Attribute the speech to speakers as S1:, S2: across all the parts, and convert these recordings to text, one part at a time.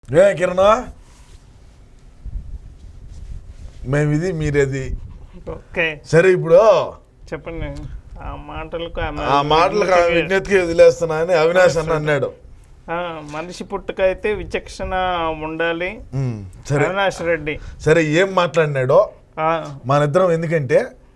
S1: ఏ కిరణ్ మేము ఇది మీరేది
S2: ఓకే
S1: సరే ఇప్పుడు
S2: చెప్పండి. ఆ
S1: మాటలకు విజ్ఞతకి వదిలేస్తున్నా అని అవినాష్ అన్న అన్నాడు.
S2: మనిషి పుట్టుకైతే విచక్షణ ఉండాలి.
S1: సరే
S2: అవినాష్ రెడ్డి
S1: సరే ఏం మాట్లాడినాడో మన ఇద్దరం, ఎందుకంటే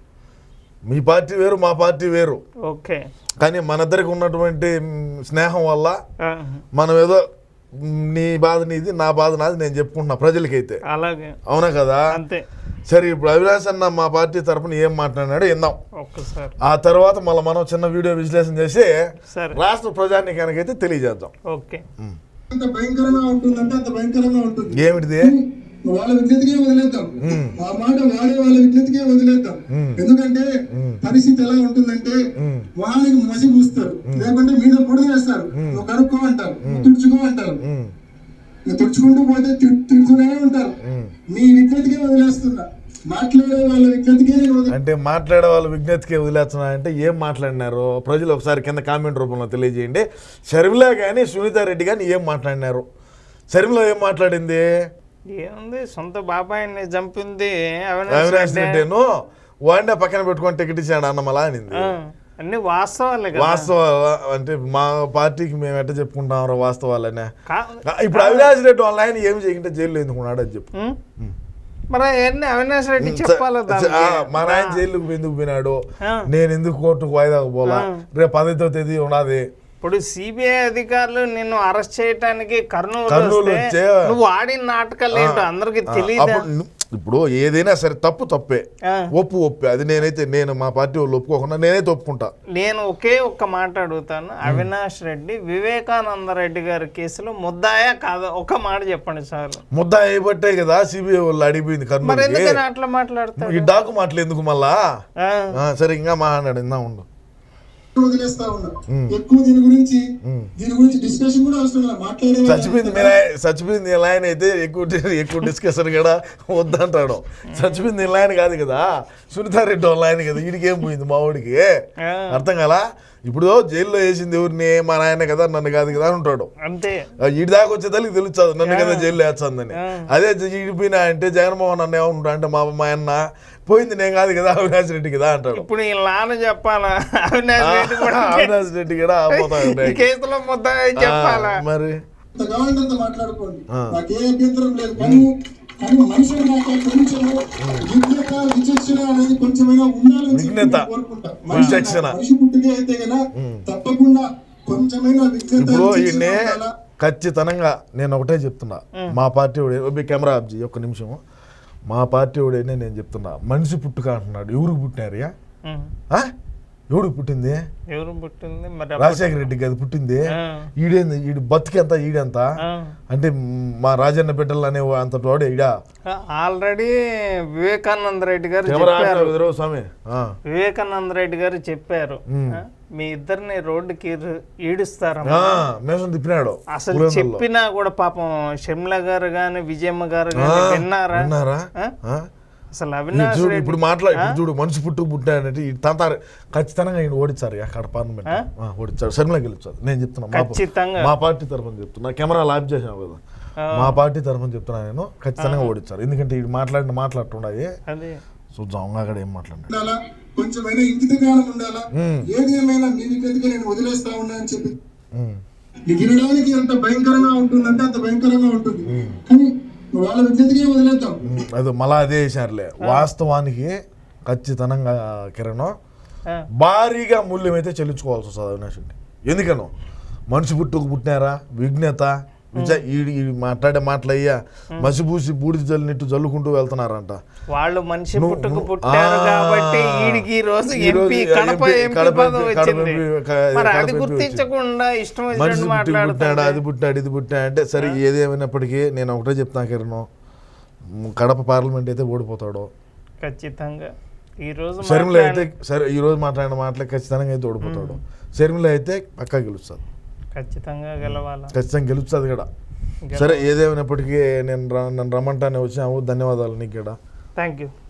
S1: మీ పార్టీ వేరు మా పార్టీ వేరు.
S2: ఓకే
S1: కానీ మన ఇద్దరికి ఉన్నటువంటి స్నేహం వల్ల మనం ఏదో నీ బాధ నీది నా బాధ నాది నేను చెప్పుకుంటున్నా ప్రజలకైతే.
S2: అలాగే
S1: అవునా కదా?
S2: అంతే.
S1: సరే ఇప్పుడు అవినాష్ అన్న మా పార్టీ తరఫున ఏం మాట్లాడినాడో విందాం.
S2: ఒక్కసారి
S1: ఆ తర్వాత మళ్ళీ మనం చిన్న వీడియో విశ్లేషణ చేసి
S2: సరే
S1: రాష్ట్ర ప్రజానీకానికైతే తెలియజేద్దాం.
S2: ఓకే.
S3: అంత భయంకరంగా ఉంటుందంటే అంత భయంకరంగా ఉంటుంది.
S1: ఏమిటిది?
S3: వాళ్ళ విజ్ఞతకే వదిలేద్దాం. ఆ మాట వాడే వాళ్ళ విజ్ఞతకే వదిలేద్దాం. ఎందుకంటే పరిస్థితి ఎలా ఉంటుందంటే వాళ్ళకి మసి పూస్తారు, లేకుంటే మీద పొడి వేస్తారు. నువ్వు కడుక్కో అంటారు, తుడుచుకో అంటారు. తుడుచుకుంటూ పోతే తిడుతూనే ఉంటారు. మీ విజ్ఞతకే వదిలేస్తున్నా. మాట్లాడే వాళ్ళ విజ్ఞతకే
S1: అంటే మాట్లాడే వాళ్ళ విజ్ఞతకే వదిలేస్తున్నా అంటే ఏం మాట్లాడినారు ప్రజలు ఒకసారి కింద కామెంట్ రూపంలో తెలియజేయండి. షర్మిల కానీ సునీతారెడ్డి కానీ ఏం మాట్లాడినారు? షర్మిల ఏం మాట్లాడింది?
S2: ఏముంది, సొంత బాబాయిని చంపింది
S1: అవినాష్ రెడ్డిను వాడినే పక్కన పెట్టుకొని టికెట్ ఇచ్చాడు అన్నమలా అనింది.
S2: అన్ని వాస్తవాలే.
S1: వాస్తవాలు అంటే మా పార్టీకి మేము ఎట్లా చెప్పుకుంటాం వాస్తవాలనే. ఇప్పుడు అవినాష్ రెడ్డి వాళ్ళ ఆయన ఏమి చేయకుంటే జైల్లో ఎందుకున్నాడు అని చెప్పు.
S2: మరి అవినాష్ రెడ్డి చెప్పాలి.
S1: మన ఆయన జైలుకు ఎందుకు పోయినాడు, నేను ఎందుకు కోర్టుకు వాయిదాకు పోలా, రేపు 10వ తేదీ ఉన్నది.
S2: ఇప్పుడు సిబిఐ అధికారులు నిన్ను అరెస్ట్ చేయడానికి కర్నూలు నువ్వు ఆడిన నాటకాలు ఏంటో అందరికి తెలియదు.
S1: ఇప్పుడు ఏదైనా సరే తప్పే, ఒప్పే. అది నేను మా పార్టీ వాళ్ళు ఒప్పుకోకుండా నేనైతే ఒప్పుకుంటా.
S2: నేను ఒక్క మాట అడుగుతాను. అవినాష్ రెడ్డి వివేకానంద రెడ్డి గారి కేసులో ముద్దాయా కాదా? ఒక మాట చెప్పండి సార్.
S1: ముద్దా అయిబట్టే కదా సిబిఐ వాళ్ళు అడిగిపోయింది కర్నూలు.
S2: అట్లా మాట్లాడతారు
S1: ఈ డాకు మాటలు ఎందుకు మళ్ళా? సరే ఇంకా మాట్లాడు, ఇందా ఉండు.
S3: వదిలేస్తా ఉన్నా. ఎక్కువ దీని గురించి డిస్కషన్ కూడా అవసరం లేదు. మాట్లాడే
S1: చచ్చిపోయింది ఇలా ఆయన అయితే ఎక్కువ డిస్కషన్ కూడా వద్దంటాడు. చచ్చిపోయింది ఇలా ఆయన కాదు కదా, సునీతారెడ్డి వాళ్ళ ఆయన కదా. వీడికేం పోయింది మా వాడికి? అర్థం కదా? ఇప్పుడు జైల్లో వేసింది ఎవరిని? మా నాయన కదా, నన్ను కాదు కదా అంటాడు.
S2: అంతే.
S1: ఈడి దాకా వచ్చేదానికి తెలుస్తుంది నన్ను కదా జైల్లో వేస్తుందని. అదే ఈడిపోయినా అంటే జగన్మోహన్ అన్న ఏమంటా అంటే మా అన్న పోయింది నేను కాదు కదా అవినాష్ రెడ్డి కదా అంటాడు.
S2: ఇప్పుడు ఈ నాన్న చెప్పాలా?
S1: అవినాష్ రెడ్డి కూడా
S2: కేసులో ముద్ద చెప్పాలా?
S1: మరి
S3: కావాలంత మాట్లాడుకోండి, నాకే అభ్యంతరం లేదు. కానీ మనుషులు విచక్షణ అనేది కొంచెమైనా ఉండాలని కోరుకుంటా. మనిషి పుట్టుకే అయితే కదా తప్పకుండా కొంచెమైనా
S1: ఇప్పుడు ఈయన్ని ఖచ్చితంగా నేను ఒకటే చెప్తున్నా. మా పార్టీ వాడు కెమెరా ఆఫ్ చేయి ఒక్క నిమిషం. మా పార్టీ వాడైనా నేను చెప్తున్నా, మనిషి పుట్టుక అంటున్నాడు. ఎవరికి పుట్టినారు? ఎవడికి పుట్టింది? రాజశేఖర రెడ్డికి అది పుట్టింది. ఈడేంది? ఈడు బతికెంత ఈడెంత అంటే మా రాజన్న బిడ్డలు అనే అంత వాడు ఈడ.
S2: ఆల్రెడీ వివేకానంద రెడ్డి గారు చెప్పారు.
S1: స్వామి
S2: వివేకానంద రెడ్డి గారు చెప్పారు, మీ ఇద్దరిని రోడ్డుకి ఈడుస్తారా
S1: తిప్పినాడు.
S2: అసలు చెప్పినా కూడా పాపం షర్మిల గారు గాని విజయమ్మ గారు గాని విన్నారా? అసలు అవినాష్ రెడ్డి
S1: ఇప్పుడు చూడు, మనిషి పుట్టాడంటే తంతారు. ఖచ్చితంగా ఈయన ఓడించారు అక్కడ పార్లమెంట్ ఓడించారు. షర్మిల గెలుచారు. నేను చెప్తున్నా, మా పార్టీ తరఫున చెప్తున్నా. కెమెరా లాబ్ చేసాను కదా, మా పార్టీ తరఫున చెప్తున్నా. నేను ఖచ్చితంగా ఓడించారు. ఎందుకంటే ఇది మాట్లాడుతుండయి చూద్దాం అక్కడ ఏం మాట్లాడినా.
S3: కొంచెమైనా ఇంకిత జ్ఞానం ఉండాలా. ఏది ఏమైనా మీ విజ్ఞతగా నేను వదిలేస్తా ఉన్నా అని చెప్పి వినడానికి ఎంత భయంకరంగా ఉంటుందంటే అంత భయంకరంగా ఉంటుంది. కానీ వాళ్ళ విజ్ఞతకే వదిలేద్దాం.
S1: అది మళ్ళా అదే వేసారులే. వాస్తవానికి ఖచ్చితంగా కిరణ్ భారీగా మూల్యం అయితే చెల్లించుకోవాల్సి వస్తుంది అవినాష్ రెడ్డి. ఎందుకనో మనిషి పుట్టినారా విజ్ఞత మాట్లాడే మాటలయ్యా మసిపూసి బూడిద జల్లినట్టు జల్లుకుంటూ వెళ్తున్నారంట.
S2: వాళ్ళు మనిషి పుట్టారు కాబట్టి ఈ రోజు ఎంపీ కడప గుర్తించకుండా ఇష్టం
S1: పుట్టాడు, అది పుట్టాడు, ఇది పుట్టాడు అంటే. సరే ఏదేమైనప్పటికీ నేను ఒకటే చెప్తాను కిరణ్, కడప పార్లమెంట్ అయితే ఓడిపోతాడు
S2: ఖచ్చితంగా. ఈ రోజు
S1: షర్మిల అయితే సరే ఈ రోజు మాట్లాడిన మాటలే ఖచ్చితంగా అయితే ఓడిపోతాడు. షర్మిల అయితే పక్కా గెలుస్తుంది.
S2: ఖచ్చితంగా
S1: గెలుస్తుంది కూడా. సరే ఏదేమైనప్పటికీ నన్ను రమ్మంటానే వచ్చాము. ధన్యవాదాలు నీకు కూడా.
S2: Thank you.